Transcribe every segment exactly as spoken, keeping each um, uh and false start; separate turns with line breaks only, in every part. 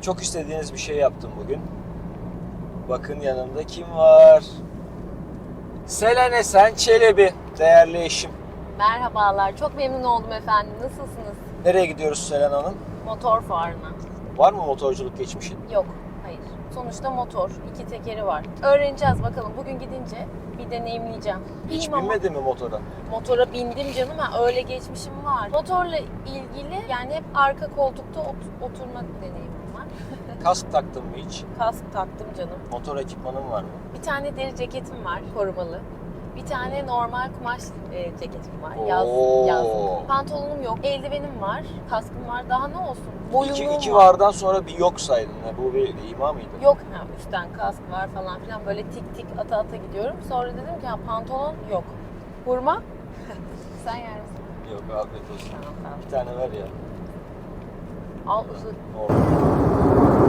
Çok istediğiniz bir şey yaptım bugün. Bakın yanımda kim var? Selen Esen Çelebi, değerli eşim.
Merhabalar, çok memnun oldum efendim. Nasılsınız?
Nereye gidiyoruz Selen Hanım?
Motor fuarına.
Var mı motorculuk geçmişin?
Yok, hayır. Sonuçta motor, iki tekeri var. Öğreneceğiz bakalım. Bugün gidince bir deneyimleyeceğim.
Hiç
İyiyim ama
binmedin mi motora?
motora bindim canım. Ha, öyle geçmişim var. Motorla ilgili yani hep arka koltukta ot- oturma deneyimim var.
Kask taktın mı hiç?
Kask taktım canım.
Motor ekipmanın var mı?
Bir tane deri ceketim var, korumalı. Bir tane normal kumaş e, ceketim var.
Oo.
Yaz, yazlık. Pantolonum yok. Eldivenim var. Kaskım var. Daha ne olsun? Boyunluğum
İki, iki
var.
vardan sonra bir yok saydın. Ha, bu bir ima mıydı?
Yok. Ha, üstten kask var falan filan. Böyle tik tik ata ata gidiyorum. Sonra dedim ki ha, pantolon yok. Hurma? Sen yer misin?
Yok, afiyet olsun.
Tamam, tamam.
Bir tane ver ya.
Al ısır.
Oldu.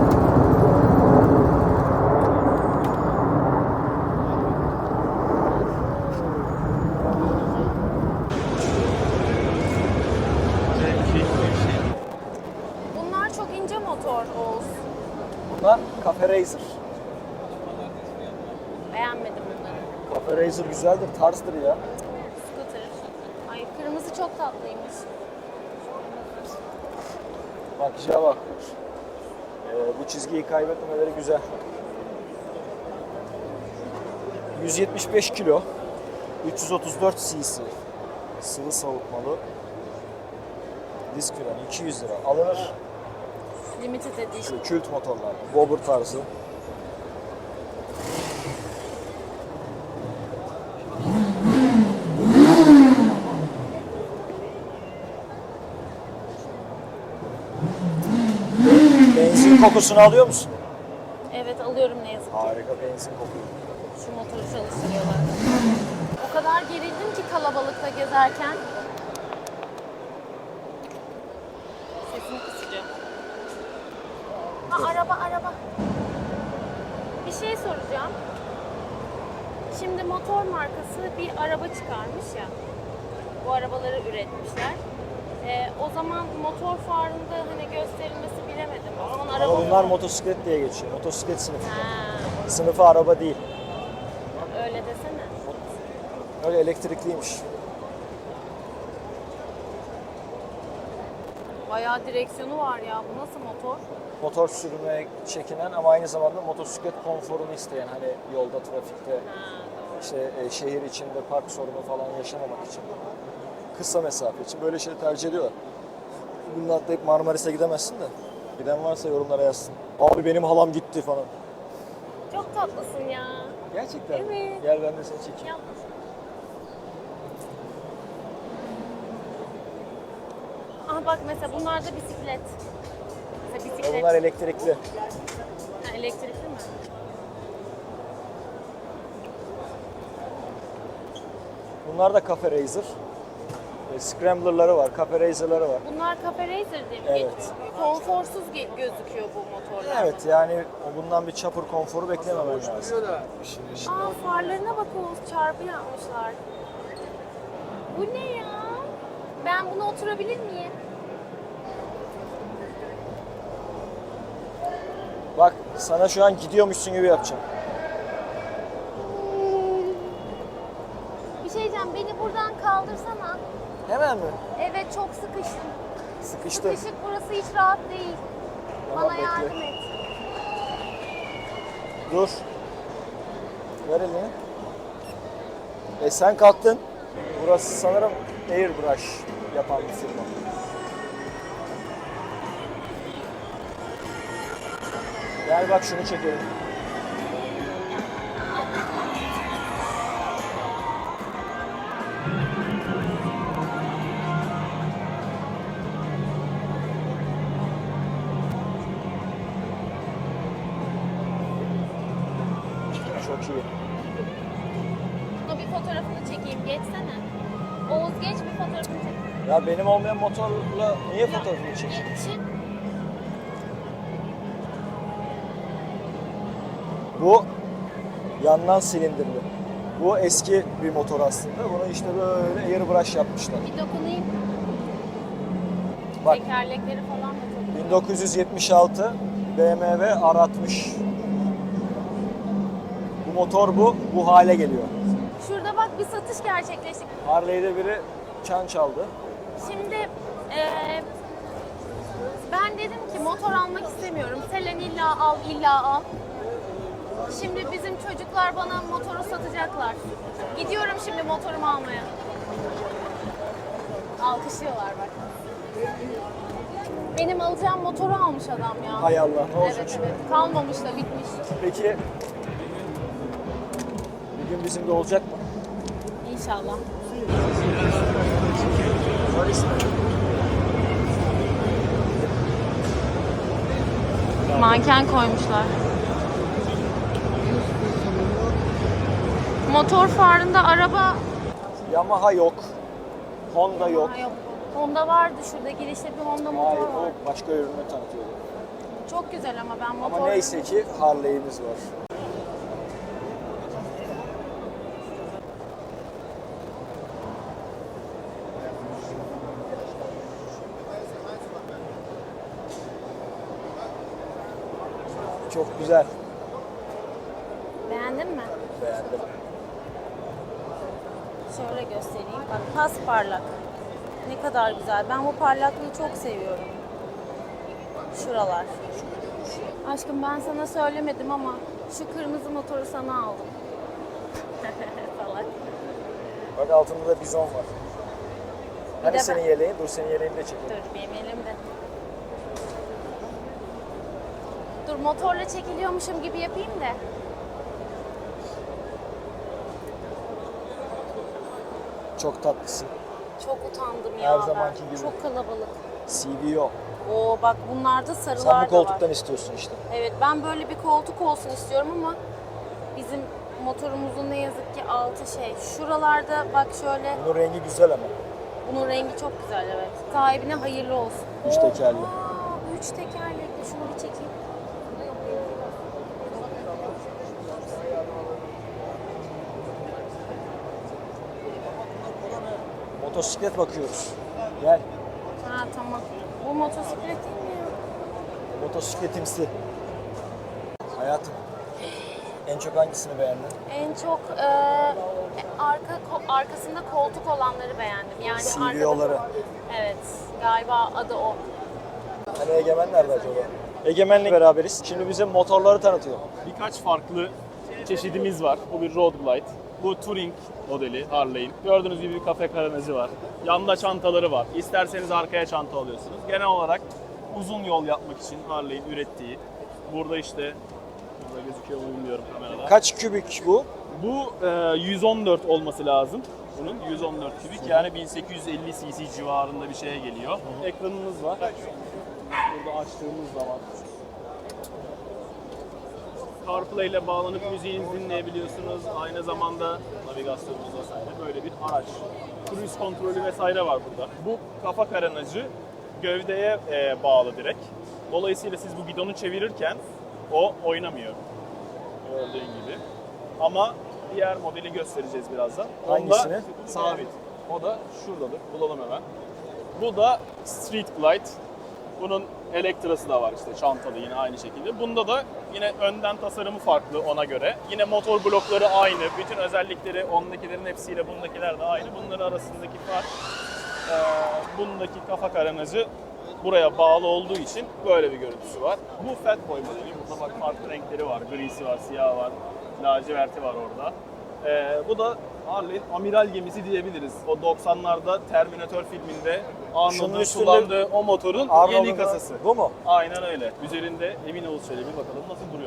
Bunlar çok ince motor Oğuz.
Bunlar Cafe Racer.
Beğenmedim bunları.
Cafe Racer güzeldir, tarzdır ya.
Scooter. Ay kırmızı çok tatlıymış.
Bakışa bak. Ee, bu çizgiyi kaybetmemeleri güzel. yüz yetmiş beş kilo, üç yüz otuz dört cc, sıvı soğutmalı, disk freni iki yüz lira. Alınır.
Limited edition.
Şu kült motorlar, bobber tarzı. Benzin kokusunu alıyor musun?
Evet alıyorum ne yazık ki.
Harika benzin kokuyor.
Şu motoru çalıştırıyorlar. O kadar gerildim ki kalabalıkta gezerken. Sesini kısacağım. Ha, araba araba. Bir şey soracağım. Şimdi motor markası bir araba çıkarmış ya. Bu arabaları üretmişler. Ee, o zaman motor fuarında hani gösterilmesi bilemedim. O zaman araba
Ama bunlar
mı?
motosiklet diye geçiyor. Motosiklet sınıfı.
Ha,
Sınıfı araba değil.
öyle desene.
Öyle elektrikliymiş.
Bayağı direksiyonu var ya. Bu nasıl motor?
Motor sürmeye çekinen ama aynı zamanda motosiklet konforunu isteyen, hani yolda, trafikte,
Ha, doğru.
işte e, şehir içinde park sorunu falan yaşamamak için, kısa mesafe için böyle şeyleri tercih ediyorlar. Bununla atlayıp Marmaris'e gidemezsin de. Giden varsa yorumlara yazsın. Abi benim halam gitti falan.
Çok tatlısın ya.
Gerçekten mi?
Evet.
Gel ben de seni çekeyim.
Yap. Aha bak mesela bunlar da bisiklet. Mesela
Ve
bisiklet.
bunlar elektrikli.
Ha, elektrikli mi?
Bunlar da Cafe Racer. E, Scrambler'ları var, Cafe Racer'ları var.
Bunlar Cafe Racer diye mi
Evet.
geçiyor? Konforsuz ge- gözüküyor bu motorlar.
Evet, yani o bundan bir chopper konforu beklememen lazım.
Aa farlarına bak Oğuz, çarpı yapmışlar. Bu ne ya? Ben buna oturabilir miyim?
Bak sana şu an gidiyormuşsun gibi yapacağım.
Bir şey diyeceğim, beni buradan kaldırsana.
Hemen mi?
Evet çok sıkıştım.
Sıkıştın.
Sıkışık burası hiç rahat değil.
Tamam,
Bana
bekle.
yardım et.
Dur. Ver elini. E sen kalktın. Burası sanırım airbrush yapan bir firma. Gel bak şunu çekelim. Çok iyi.
Buna bir fotoğrafını çekeyim. Geçsene. Oğuz geç bir fotoğrafını çek.
Ya benim olmayan motorla niye fotoğrafını çekeyim?
Geçin.
Bu yandan silindirli. Bu eski bir motor aslında. Bunu işte böyle airbrush yapmışlar.
Bir dokunayım.
Bak
Tekerlekleri falan da çok.
bin dokuz yüz yetmiş altı B M W R altmış. Bu motor bu, bu hale geliyor.
Şurada bak bir satış gerçekleşti.
Harley'de biri çan çaldı.
Şimdi eee, ben dedim ki motor almak istemiyorum. Selen illa al, illa al. Şimdi bizim çocuklar bana motoru satacaklar. Gidiyorum şimdi motorumu almaya. Alkışlıyorlar bak. Benim alacağım motoru almış adam ya.
Hay Allah, ne olacak
Evet
şimdi?
evet. Kalmamış da bitmiş.
Peki bir gün bizim de olacak mı?
İnşallah. Manken koymuşlar. Motor farında araba...
Yamaha yok. Honda yok.
Ha, yok. Honda vardı şurada. Girişte bir Honda motor
Hayır,
var.
o başka ürünü tanıtıyordu.
Çok güzel ama ben motor...
Ama neyse ki Harley'imiz var. Çok güzel.
Beğendin mi?
Beğendim.
Şöyle göstereyim. Bak pas parlak. Ne kadar güzel. Ben bu parlaklığı çok seviyorum. Şuralar. Aşkım ben sana söylemedim ama şu kırmızı motoru sana aldım. Salak.
Bak altında da bizon var. Hani
de
senin
ben-
yeleğin? Dur senin yeleğini de çekeyim.
Dur benim elimde. Dur motorla çekiliyormuşum gibi yapayım da.
Çok tatlısın.
Çok utandım ya
Her
ben.
zamanki gibi.
Çok kalabalık.
C V O.
Oo bak bunlarda sarılar
Sen bu
da var.
koltuktan istiyorsun işte.
Evet ben böyle bir koltuk olsun istiyorum ama bizim motorumuzun ne yazık ki altı şey. Şuralarda bak şöyle
Bunun rengi güzel ama.
bunun rengi çok güzel evet. Sahibine hayırlı olsun.
Üç tekerli.
Aa, üç tekerlekli şunu bir çekeyim.
Motosiklet bakıyoruz. Gel.
Ha tamam. Bu motosiklet değil mi ya?
Motosikletimsi. Hayatım. En çok hangisini beğendin?
En çok e, arka ko- arkasında koltuk olanları beğendim. Yani
C V O'ları.
arkada- Evet. Galiba adı o.
Hani Egemen nerede acaba? Egemen'le beraberiz. Şimdi bize motorları tanıtıyor.
Birkaç farklı çeşidimiz var. Bu bir Road Glide. Bu Touring modeli Harley'in. Gördüğünüz gibi bir kafe karanajı var. Yanda çantaları var. İsterseniz arkaya çanta alıyorsunuz. Genel olarak uzun yol yapmak için Harley'in ürettiği. Burada işte, burada gözüküyor mu bilmiyorum kamerada.
Kaç kübik bu?
Bu e, yüz on dört olması lazım. Bunun yüz on dört kübik yani bin sekiz yüz elli cc civarında bir şeye geliyor. Ekranımız var. Burada açtığımız zaman CarPlay ile bağlanıp müziğinizi dinleyebiliyorsunuz. Aynı zamanda navigasyonunuz vesaire böyle bir araç. Cruise kontrolü vesaire var burada. Bu kafa karanajı gövdeye e, bağlı direkt. Dolayısıyla siz bu gidonu çevirirken o oynamıyor. Gördüğün gibi. Ama diğer modeli göstereceğiz birazdan.
Hangisini?
Onda sabit. O da şuradadır. Bulalım hemen. Bu da Street Glide. Bunun elektrası da var işte çantalı yine aynı şekilde. Bunda da yine önden tasarımı farklı ona göre. Yine motor blokları aynı. Bütün özellikleri ondakilerin hepsiyle bundakiler de aynı. Bunların arasındaki fark e, bundaki kafa karanajı buraya bağlı olduğu için böyle bir görüntüsü var. Bu Fatboy modeli. Burada bak farklı renkleri var. Grisi var, siyah var, laciverti var orada. Ee, bu da Harley'in amiral gemisi diyebiliriz. O doksanlarda Terminator filminde
Şunun
Arnold'un
üstünde
kullandığı o motorun
Arnold'un
yeni kasası.
Bu mu?
Aynen öyle. Üzerinde Emin Oğuz Çelebi bakalım nasıl duruyor.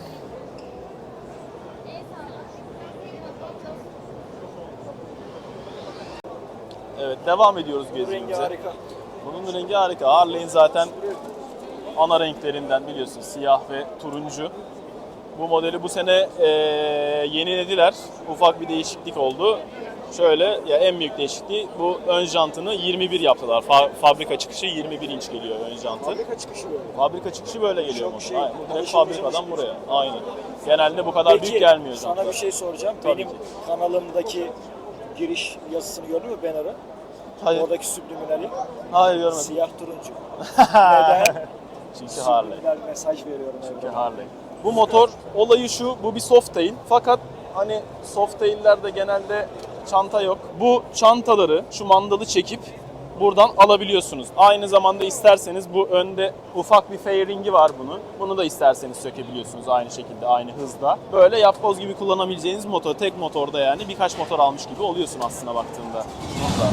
Evet devam ediyoruz
Bu rengi
gezimize.
harika.
Bunun rengi harika. Harley'in zaten ana renklerinden biliyorsun siyah ve turuncu. Bu modeli bu sene e, yenilediler. Ufak bir değişiklik oldu. Şöyle ya en büyük değişikliği bu ön jantını yirmi bir yaptılar. Fa- fabrika çıkışı yirmi bir inç geliyor ön jantı.
Fabrika çıkışı böyle.
Fabrika çıkışı böyle geliyor
Çok
motor.
şey,
Aynen. Bu direkt
alışılmış
fabrikadan
alışılmış.
buraya. Aynen. Genelde bu kadar
Peki,
büyük gelmiyor
sana
jantlar.
bir şey soracağım.
Tabii
Benim
ki.
kanalımdaki giriş yazısını gördün mü banner'ı?
Hayır.
Oradaki subliminali
Hayır görmedim.
siyah turuncu. Neden?
Çünkü Harley.
Güzel bir mesaj veriyorum.
Çünkü
evrene.
Harley. Bu motor olayı şu, bu bir Softail. Fakat hani Softail'lerde genelde çanta yok. Bu çantaları, şu mandalı çekip buradan alabiliyorsunuz. Aynı zamanda isterseniz bu önde ufak bir fairingi var bunun. Bunu da isterseniz sökebiliyorsunuz aynı şekilde, aynı hızda. Böyle yapboz gibi kullanabileceğiniz motor, tek motorda yani birkaç motor almış gibi oluyorsun aslında baktığında. Burada.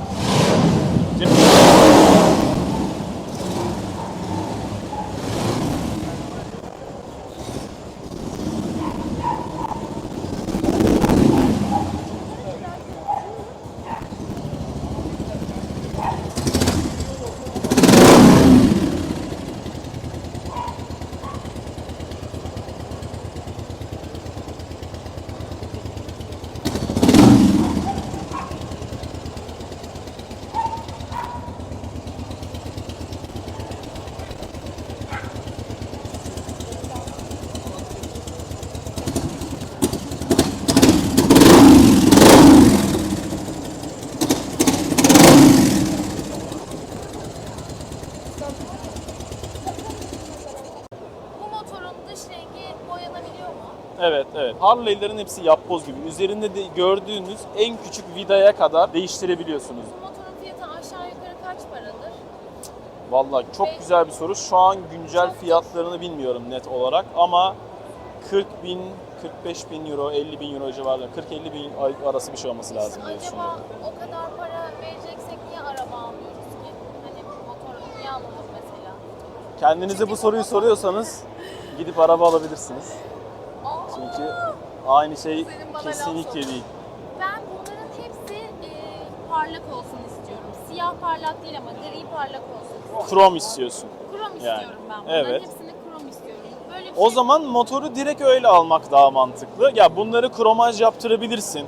Bu motorun dış rengi boyanabiliyor mu?
Evet, evet. Harley'lerin hepsi yapboz gibi. Üzerinde de gördüğünüz en küçük vidaya kadar değiştirebiliyorsunuz.
Bu motorun fiyatı aşağı yukarı kaç paradır?
Vallahi çok
Ve-
güzel bir soru. Şu an güncel
Çok-
fiyatlarını bilmiyorum net olarak ama kırk bin, kırk beş bin euro, elli bin euro civarında, kırk elli bin arası bir şey olması lazım diye
Acaba
düşünüyorum.
o kadar para vereceksek niye araba almıyoruz ki? Hani motoru niye alalım mesela?
Kendinize bu soruyu soruyorsanız gidip araba alabilirsiniz.
Aa,
Çünkü aynı şey
Senin bana laf
kesinlikle
sokma.
değil.
Ben bunların hepsi e, parlak olsun istiyorum. Siyah parlak değil ama gri parlak olsun.
Krom istiyorsun.
Krom
Yani,
istiyorum ben. Bunların
evet.
hepsini krom istiyorum. Böyle bir
O
şey-
zaman motoru direkt öyle almak daha mantıklı. Ya bunları kromaj yaptırabilirsin.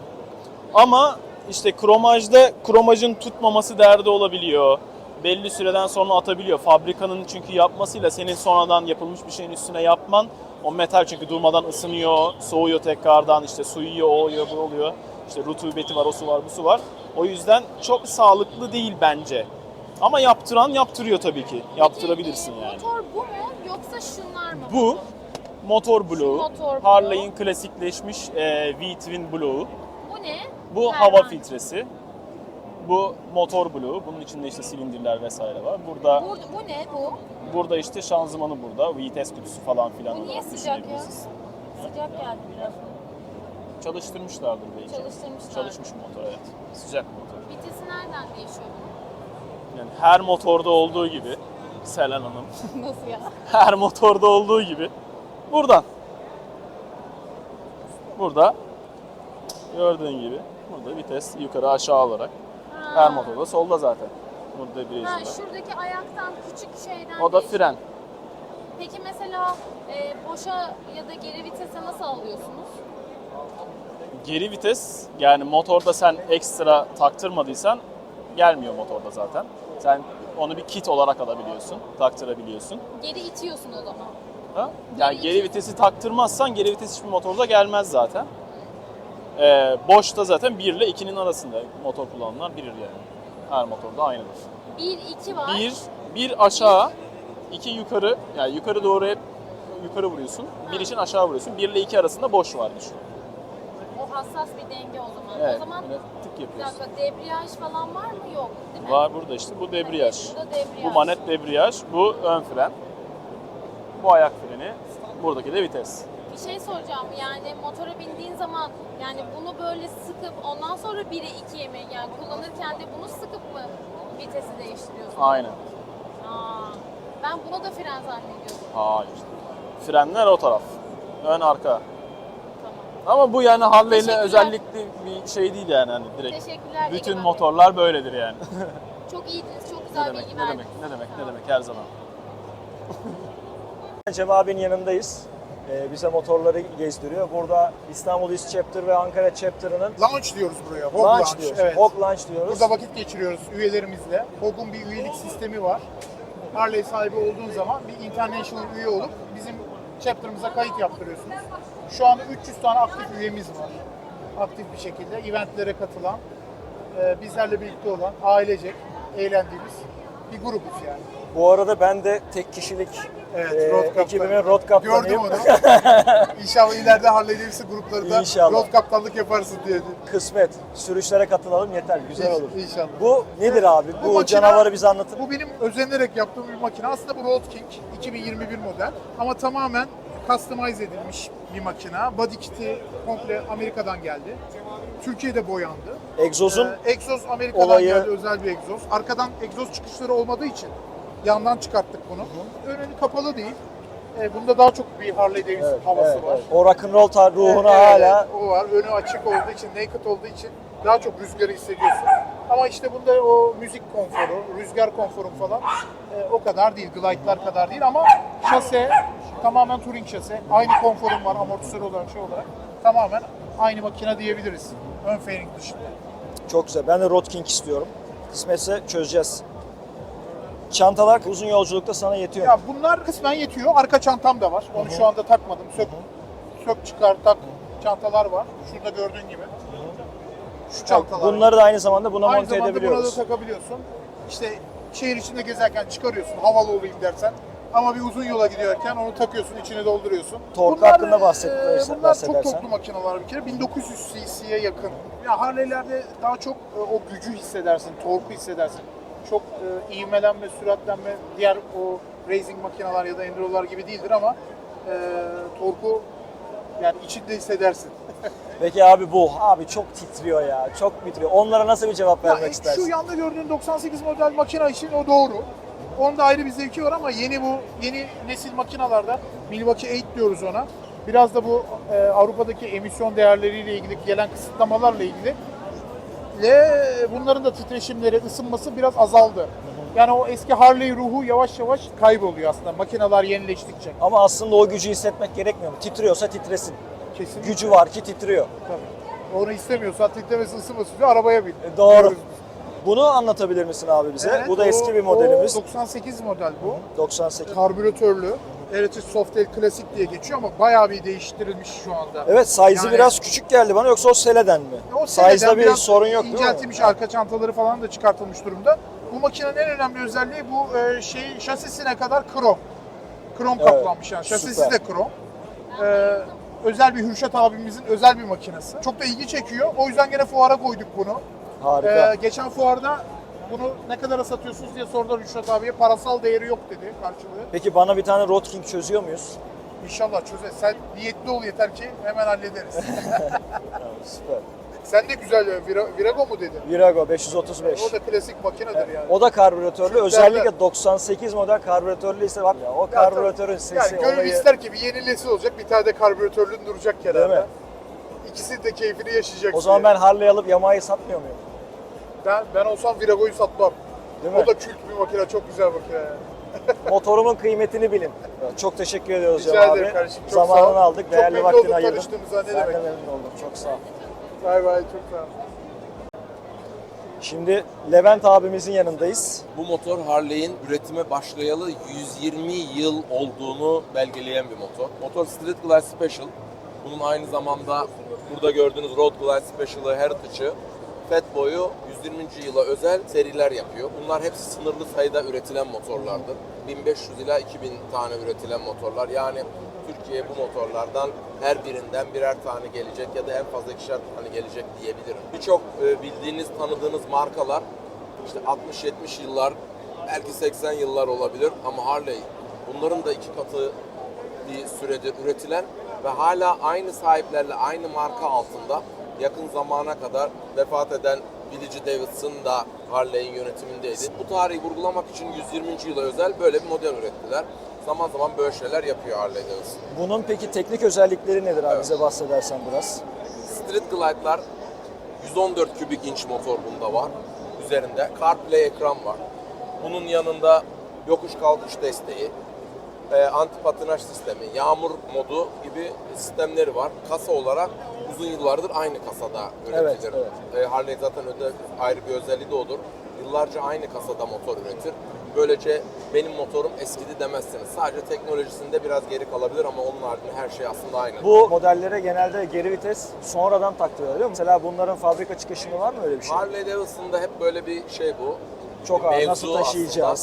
Ama işte kromajda kromajın tutmaması derdi olabiliyor. Belli süreden sonra atabiliyor. Fabrikanın çünkü yapmasıyla senin sonradan yapılmış bir şeyin üstüne yapman, o metal çünkü durmadan ısınıyor, soğuyor tekrardan, işte su yiyor, o oluyor, bu oluyor. İşte rutubeti var, o su var, bu su var. O yüzden çok sağlıklı değil bence. Ama yaptıran yaptırıyor tabii ki. Yaptırabilirsin
Peki, e,
yani.
Motor bu mu yoksa şunlar mı?
Bu motor bloğu.
motor bloğu.
Harley'in klasikleşmiş e, V-twin bloğu.
Bu ne?
Bu
Herhangi.
hava filtresi. Bu motor bloğu. Bunun içinde işte silindirler vesaire var. Burada
Burada, bu ne bu?
burada işte şanzımanı burada. Vites kutusu falan filan
Bu niye
olarak
sıcak ya?
düşünebiliriz.
Sıcak geldi biraz.
Çalıştırmışlardır belki.
Çalıştırmışlar.
Çalışmış motor, evet. Sıcak motor.
Vitesi nereden değişiyor bunun?
Yani her motorda olduğu gibi Selen Hanım.
Nasıl ya?
Her motorda olduğu gibi buradan. Burada gördüğün gibi burada vites yukarı aşağı olarak.
Ha.
Her motorda solda zaten. Burada bir
Ha,
var.
şuradaki ayaktan küçük şeyden
O da
değişiyor.
fren.
Peki mesela e, boşa ya da geri vitese nasıl alıyorsunuz?
Geri vites yani motorda sen ekstra taktırmadıysan gelmiyor motorda zaten. Sen onu bir kit olarak alabiliyorsun, taktırabiliyorsun.
Geri itiyorsun o zaman.
Ha? Yani
Geri
geri
itiyorsun.
vitesi taktırmazsan geri vites hiçbir motorda gelmez zaten. Ee, boşta zaten bir ile ikinin arasında motor kullananlar bilir yani. Her motorda aynıdır.
bir iki var.
Bir, bir aşağı, iki yukarı. Yani yukarı doğru hep yukarı vuruyorsun. Bir için aşağı vuruyorsun. Bir ile iki arasında boş var düşün.
O hassas bir denge o zaman.
Evet,
O zaman
böyle tık
bir
yapıyorsun.
dakika debriyaj falan var mı? Yok değil mi?
Var burada işte. Bu debriyaj.
Burada debriyaj.
Bu manet debriyaj. Bu ön fren. Bu ayak freni. Buradaki de vites.
Bir şey soracağım yani motora bindiğin zaman yani bunu böyle sıkıp ondan sonra bire ikiye mi yani kullanırken de bunu sıkıp mı vitesi değiştiriyorsun?
Aynen.
Aa, ben buna da fren zannediyordum.
Hayır. Frenler o taraf. Ön arka.
Tamam.
Ama bu yani Harley'le
Teşekkürler.
özellikle bir şey değil yani hani direkt.
Teşekkürler.
Bütün
Egemen Bey.
motorlar böyledir yani.
Çok iyiydiniz, çok
ne
güzel
demek,
bilgi
ne
verdiniz.
demek, ne demek,
Sağ
ne
olun.
demek her zaman.
Cem abinin yanındayız. Ee, bize motorları gezdiriyor. Burada İstanbul East Chapter ve Ankara Chapter'ının
Launch diyoruz buraya. Hog
launch,
Launch.
diyoruz.
Evet.
Hog Launch diyoruz.
Burada vakit geçiriyoruz üyelerimizle. Hog'un bir üyelik sistemi var. Harley sahibi olduğun zaman bir international üye olup bizim chapter'ımıza kayıt yaptırıyorsunuz. Şu anda üç yüz tane aktif üyemiz var. Aktif bir şekilde eventlere katılan, e, bizlerle birlikte olan, ailecek eğlendiğimiz bir grubuz yani.
Bu arada ben de tek kişilik
Evet,
e,
road kaptanı.
ekibimin road kaptanıyım.
Gördüm onu. İnşallah ileride Harley Davidson gruplarında
İnşallah.
road kaptanlık yaparsın diye.
Kısmet. Sürüşlere katılalım yeter. Güzel olur.
İnşallah.
Bu nedir abi? Bu,
Bu makine-
canavarı bize anlatın.
Bu benim özenerek yaptığım bir makine. Aslında bu Road King iki bin yirmi bir model ama tamamen customize edilmiş bir makine. Body kit'i komple Amerika'dan geldi. Türkiye'de boyandı.
Egzozun
Ee, egzoz Amerika'dan
olayı-
geldi, özel bir egzoz. Arkadan egzoz çıkışları olmadığı için yandan çıkarttık bunu. Önü kapalı değil. Ee, bunda daha çok bir Harley Davidson
evet,
havası
evet,
var.
evet. O rock'n'roll tar ruhunu
Evet,
hala
o var. Önü açık olduğu için, naked olduğu için daha çok rüzgarı hissediyorsun. Ama işte bunda o müzik konforu, rüzgar konforu falan e, o kadar değil, glide'lar kadar değil ama şase tamamen touring şase. Aynı konforum var amortisör olarak, şey olarak. Tamamen aynı makine diyebiliriz. Ön fairing dışında.
çok güzel. Ben de Road King istiyorum. Kısmetse çözeceğiz. Çantalar uzun yolculukta sana yetiyor.
Ya bunlar kısmen yetiyor. Arka çantam da var. Onu şu anda takmadım. Sök, sök çıkar tak çantalar var. Şurada gördüğün gibi. Şu çantalar.
Bunları da aynı zamanda buna
Aynı
monte
zamanda buna da
edebiliyoruz.
takabiliyorsun. İşte şehir içinde gezerken çıkarıyorsun havalı olayım dersen. Ama bir uzun yola gidiyorken onu takıyorsun, içine dolduruyorsun.
Torku hakkında bahset-
e,
bahsedersen.
Bunlar çok toplu makineler bir kere. bin dokuz yüz cc'ye yakın. Ya Harley'lerde daha çok e, o gücü hissedersin, torku hissedersin. Çok e, ivmelenme, süratlenme, diğer o racing makineler ya da enduro'lar gibi değildir ama e, torku yani içinde hissedersin.
Peki abi bu. Abi çok titriyor ya. Çok titriyor. Onlara nasıl bir cevap
Ya,
vermek
e,
istersin?
Şu yanda gördüğün doksan sekiz model makine için o doğru. Onda ayrı bir zevki var ama yeni bu yeni nesil makinalarda Milwaukee sekiz diyoruz ona. Biraz da bu e, Avrupa'daki emisyon değerleriyle ilgili gelen kısıtlamalarla ilgili ve bunların da titreşimleri, ısınması biraz azaldı. Yani o eski Harley ruhu yavaş yavaş kayboluyor aslında makineler yenileştikçe.
Ama aslında o gücü hissetmek gerekmiyor mu? Titriyorsa titresin.
Kesinlikle.
Gücü var ki titriyor.
Tabii. Onu istemiyorsa titlemesi ısınması diyor arabaya bin.
E, doğru.
Diyoruz biz.
Bunu anlatabilir misin abi bize?
Evet,
bu da
o-
eski bir modelimiz.
O doksan sekiz model bu.
doksan sekiz.
Karbüratörlü. Heritage Softail Classic diye geçiyor ama bayağı bir değiştirilmiş şu anda.
Evet, size'ı
Yani-
biraz küçük geldi bana, yoksa o seleden mi?
O seneden
Size'da bir
biraz
sorun yok değil mi?
İnceltilmiş, arka çantaları falan da çıkartılmış durumda. Bu makinenin en önemli özelliği bu e, şey şasisine kadar krom. Krom
Evet,
kaplanmış yani. Şasisi
süper.
de krom. E, özel bir Hürşet abimizin özel bir makinesi. Çok da ilgi çekiyor. O yüzden gene fuara koyduk bunu.
Harika.
E, geçen fuarda bunu ne kadara satıyorsunuz diye sordular Hürşet abiye. Parasal değeri yok dedi karşılığı.
Peki bana bir tane Road King çözüyor muyuz?
İnşallah çözer. Sen niyetli ol yeter ki hemen hallederiz.
Tamam, süper.
Sen de güzel ya. Vira- Virago mu dedin?
Virago beş yüz otuz beş.
O da klasik makinedir yani.
O da karbüratörlü.
Türklerden-
Özellikle doksan sekiz model karbüratörlü ise bak ya, o karbüratörün sesi
Yani gönül
olayı.
ister ki bir yenilesi olacak, bir tane de karbüratörlü duracak
Değil
kenarda.
mi?
İkisi de keyfini yaşayacak.
O zaman ben Harley alıp Yamaha'yı satmıyor muyum?
ben ben olsam Virago'yu satmam.
Değil mi?
O da kült bir makine, çok güzel makine yani.
Motorumun kıymetini bilin. Çok teşekkür ediyoruz
Rica
Cem
ederim
abi.
kardeşim, çok sağ ol.
Zamanını aldık,
Çok
değerli
memnun
vaktini
oldum
ayırdın.
tanıştığımıza, ne
Ben
demek.
de memnun oldum. Çok sağ ol.
Bay bay, çok sağ ol.
Şimdi Levent abimizin yanındayız.
Bu motor Harley'in üretime başlayalı yüz yirmi yıl olduğunu belgeleyen bir motor. Motor Street Glide Special. Bunun aynı zamanda burada gördüğünüz Road Glide Special'ı, Heritage'ı, Fatboy'u yüz yirminci yıla özel seriler yapıyor. Bunlar hepsi sınırlı sayıda üretilen motorlardır. bin beş yüz ila iki bin tane üretilen motorlar. Yani Türkiye'ye bu motorlardan her birinden birer tane gelecek ya da en fazla ikişer tane gelecek diyebilirim. Birçok e, bildiğiniz, tanıdığınız markalar işte altmış yetmiş yıllar, belki seksen yıllar olabilir ama Harley bunların da iki katı bir süredir üretilen ve hala aynı sahiplerle aynı marka altında yakın zamana kadar vefat eden Billy Davidson da Harley'in yönetimindeydi. Bu tarihi vurgulamak için yüz yirminci yıla özel böyle bir model ürettiler. Zaman zaman böyle şeyler yapıyor Harley Davidson.
Bunun peki teknik özellikleri nedir abi?
Evet.
Bize bahsedersen biraz.
Street Glide'lar yüz on dört kübik inç motor bunda var. Üzerinde CarPlay ekran var. Bunun yanında yokuş kalkış desteği, e, anti patinaj sistemi, yağmur modu gibi sistemleri var. Kasa olarak uzun yıllardır aynı kasada üretilir.
Evet,
E, Harley zaten öde, ayrı bir özelliği de odur. Yıllarca aynı kasada motor üretir. Böylece benim motorum eskidi demezsiniz. Sadece teknolojisinde biraz geri kalabilir ama onun haricinde her şey aslında aynı.
Bu modellere genelde geri vites sonradan taktırıyorlar değil mi? Mesela bunların fabrika çıkışında var mı öyle bir şey?
Harley Davidson'da hep böyle bir şey bu.
Çok
bir
ağır,
mevzu
nasıl taşıyacağız?
aslında.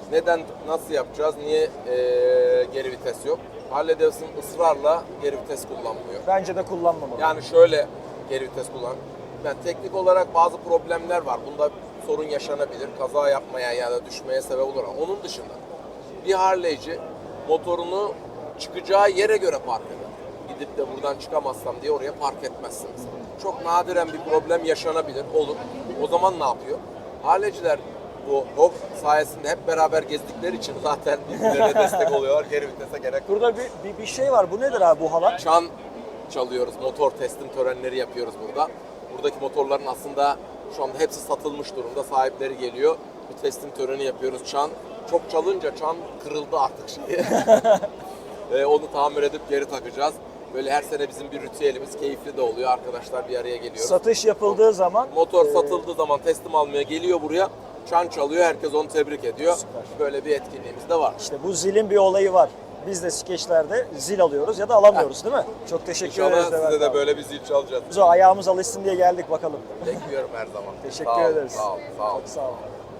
Neden, nasıl yapacağız, niye e, geri vites yok? Harley Davidson ısrarla geri vites kullanmıyor.
Bence de kullanmamalı.
Yani şöyle geri vites kullan. Yani teknik olarak bazı problemler var. Bunda sorun yaşanabilir. Kaza yapmaya ya da düşmeye sebep olur. Ama onun dışında bir Harley'ci motorunu çıkacağı yere göre park eder. Gidip de buradan çıkamazsam diye oraya park etmezsiniz. Çok nadiren bir problem yaşanabilir, olur. O zaman ne yapıyor? Harley'ciler bu H O G sayesinde hep beraber gezdikleri için zaten birbirlerine destek oluyorlar. Geri vitese gerek.
Burada bir, bir, bir şey var. Bu nedir abi bu halat?
Çan çalıyoruz, motor teslim törenleri yapıyoruz burada. Buradaki motorların aslında şu anda hepsi satılmış durumda. Sahipleri geliyor. Bir teslim töreni yapıyoruz. Çan çok çalınca çan kırıldı artık şeyi. Ve onu tamir edip geri takacağız. Böyle her sene bizim bir ritüelimiz, keyifli de oluyor. Arkadaşlar bir araya geliyoruz.
Satış yapıldığı zaman
Motor
e,
satıldığı zaman teslim almaya geliyor buraya. Çan çalıyor, herkes onu tebrik ediyor.
Süper.
Böyle bir etkinliğimiz de var.
işte bu zilin bir olayı var. Biz de skeçlerde zil alıyoruz ya da alamıyoruz değil mi? Çok teşekkür
İnşallah
ederiz.
size
Levent
de
abi.
böyle bir zil çalacağız.
Biz o ayağımız alışsın diye geldik bakalım.
Bekliyorum her zaman.
Teşekkür
Sağ olun,
ederiz.
Sağ olun, sağ olun.
Çok sağ olun.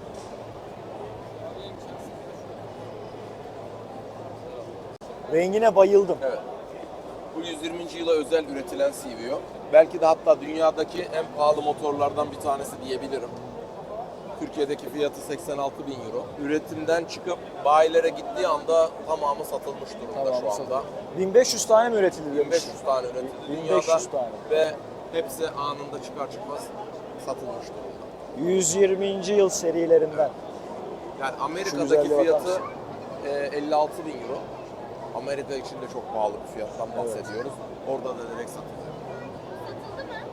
Rengine bayıldım.
Evet. Bu yüz yirminci yıla özel üretilen C V O. Belki de hatta dünyadaki en pahalı motorlardan bir tanesi diyebilirim. Türkiye'deki fiyatı seksen altı bin euro. Üretimden çıkıp bayilere gittiği anda tamamı satılmış durumda
Tamamı
şu anda.
bin beş yüz tane mi üretildi
bin
demiş?
beş yüz tane üretildi
bin
dünyada
beş yüz tane.
ve hepsi anında çıkar çıkmaz satılmış durumda.
yüz yirminci yıl serilerinden.
Yani
Şu
Amerika'daki
güzelliğe bakar
fiyatı
mısın?
e, elli altı bin euro. Amerika için de çok pahalı bir fiyattan bahsediyoruz. Orada da direkt satılıyor.
Satıldı mı?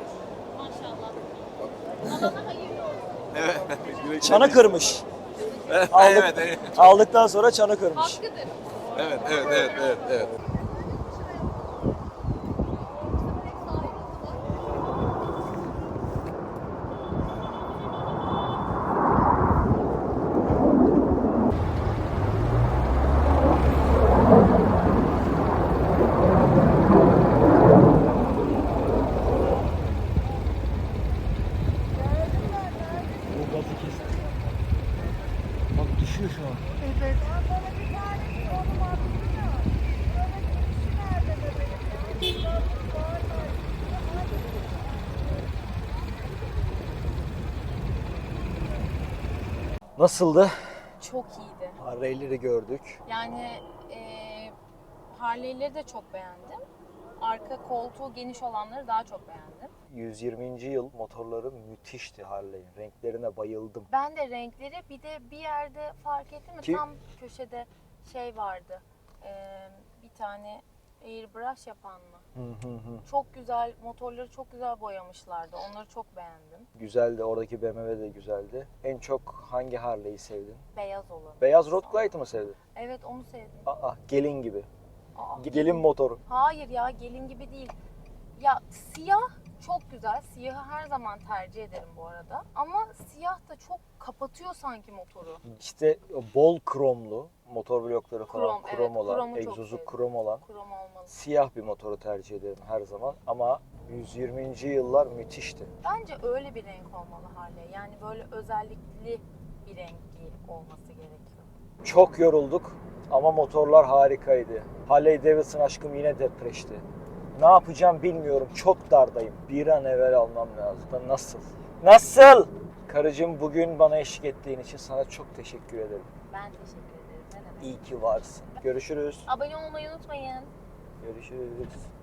Maşallah. Alana hayırlı olsun.
Evet.
Çanı kırmış.
evet,
Aldık,
evet.
aldıktan sonra çanı kırmış.
Hakkıdır.
Evet, evet, evet, evet, evet.
Bu gazı kesti. Bak düşüyor şu an. Nasıldı?
Çok iyiydi.
Harley'leri gördük.
Yani e, Harley'leri de çok beğendim. Arka koltuğu geniş olanları daha çok beğendim.
yüz yirminci yıl motorları müthişti Harley'in. Renklerine bayıldım.
Ben de renkleri bir de bir yerde fark ettim mi?
Ki-
Tam köşede şey vardı. E, bir tane airbrush yapan mı?
Hı hı hı.
Çok güzel, motorları çok güzel boyamışlardı. Onları çok beğendim.
Güzeldi. Oradaki B M W de güzeldi. En çok hangi Harley'i sevdin?
Beyaz olan.
Beyaz Road Glide'ı mı sevdin?
Evet, onu sevdim.
Aa, gelin gibi.
Aa,
Gelin motoru.
Hayır ya, gelin gibi değil. Ya siyah çok güzel. Siyahı her zaman tercih ederim bu arada. Ama siyah da çok kapatıyor sanki motoru.
İşte bol kromlu motor blokları falan
Krom,
krom,
evet,
olan,
kromu çok
egzozu
sevdim.
krom olan
Krom olmalı.
siyah bir motoru tercih ederim her zaman. Ama yüz yirminci yıllar müthişti.
Bence öyle bir renk olmalı Harley. Yani böyle özellikli bir rengi olması gerekiyor.
Çok yorulduk ama motorlar harikaydı. Harley Davidson aşkım yine depreşti. Ne yapacağım bilmiyorum. Çok dardayım. Bir an evvel almam lazım. Da nasıl? Nasıl? Karıcığım, bugün bana eşlik ettiğin için sana çok teşekkür ederim.
Ben teşekkür ederim. Ne demek?
İyi ki varsın. Görüşürüz.
Abone olmayı unutmayın.
Görüşürüz.